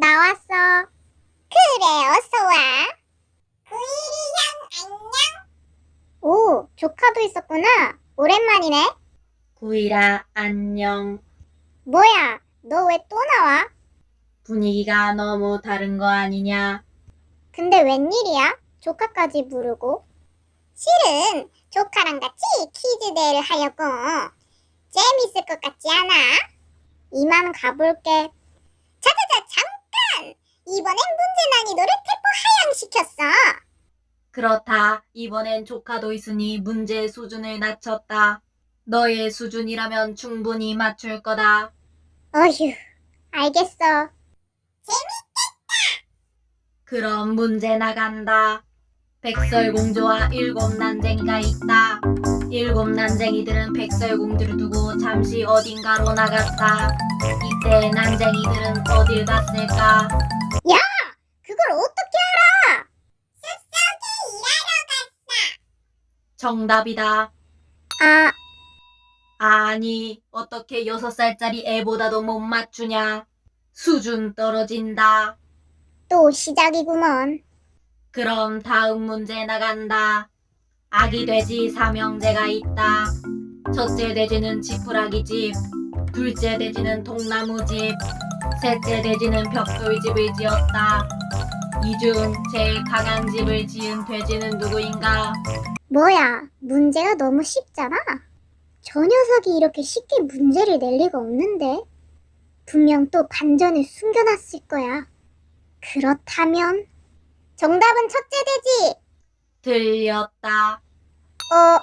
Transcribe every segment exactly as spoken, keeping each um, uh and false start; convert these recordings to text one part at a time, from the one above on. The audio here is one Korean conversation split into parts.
나왔어. 그래, 어서 와. 구일이 형, 안녕. 오, 조카도 있었구나. 오랜만이네. 구일아, 안녕. 뭐야, 너 왜 또 나와? 분위기가 너무 다른 거 아니냐? 근데 웬일이야? 조카까지 부르고. 실은 조카랑 같이 퀴즈 대회를 하려고. 재밌을 것 같지 않아? 이만 가볼게. 자자자, 잠깐! 이번엔 문제 난이도를 대폭 하향시켰어. 그렇다. 이번엔 조카도 있으니 문제 수준을 낮췄다. 너의 수준이라면 충분히 맞출 거다. 어휴, 알겠어. 그럼 문제 나간다. 백설공주와 일곱 난쟁이가 있다. 일곱 난쟁이들은 백설공주를 두고 잠시 어딘가로 나갔다. 이때 난쟁이들은 어딜 갔을까? 야! 그걸 어떻게 알아? 숲속에 일하러 갔어. 정답이다. 아, 아니, 어떻게 여섯 살짜리 애보다도 못 맞추냐? 수준 떨어진다. 또 시작이구먼. 그럼 다음 문제 나간다. 아기 돼지 삼형제가 있다. 첫째 돼지는 지푸라기 집, 둘째 돼지는 통나무 집, 셋째 돼지는 벽돌 집을 지었다. 이 중 제일 강한 집을 지은 돼지는 누구인가? 뭐야, 문제가 너무 쉽잖아. 저 녀석이 이렇게 쉽게 문제를 낼 리가 없는데. 분명 또 반전을 숨겨놨을 거야. 그렇다면 정답은 첫째 돼지. 틀렸다. 어,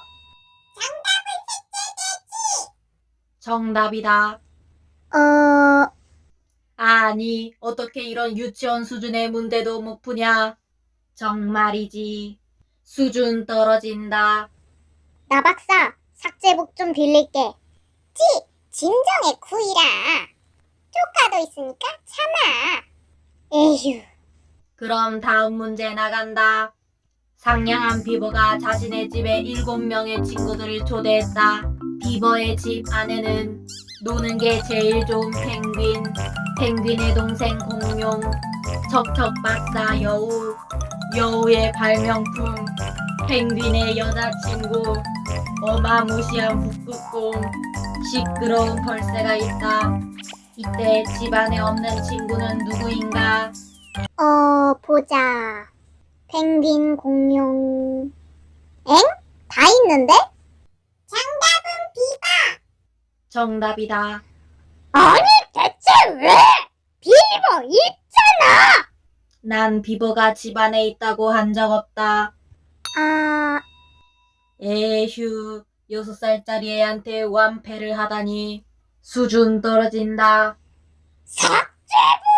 정답이다. 어, 아니, 어떻게 이런 유치원 수준의 문제도 못 푸냐? 정말이지. 수준 떨어진다. 나 박사, 삭제복 좀 빌릴게. 지, 진정해, 구이라. 조카도 있으니까 참아. 에휴. 그럼 다음 문제 나간다. 상냥한 비버가 자신의 집에 일곱 명의 친구들을 초대했다. 비버의 집 안에는 노는 게 제일 좋은 펭귄, 펭귄의 동생 공룡, 척척 박사 여우, 여우의 발명품, 펭귄의 여자친구, 어마무시한 북극곰, 시끄러운 벌새가 있다. 이때 집안에 없는 친구는 누구인가? 어, 보자. 펭귄, 공룡. 엥? 다 있는데? 정답은 비버. 정답이다. 아니, 대체 왜? 비버 있잖아. 난 비버가 집안에 있다고 한 적 없다. 아, 에휴, 여섯 살짜리 애한테 완패를 하다니. 수준 떨어진다. 삭제부!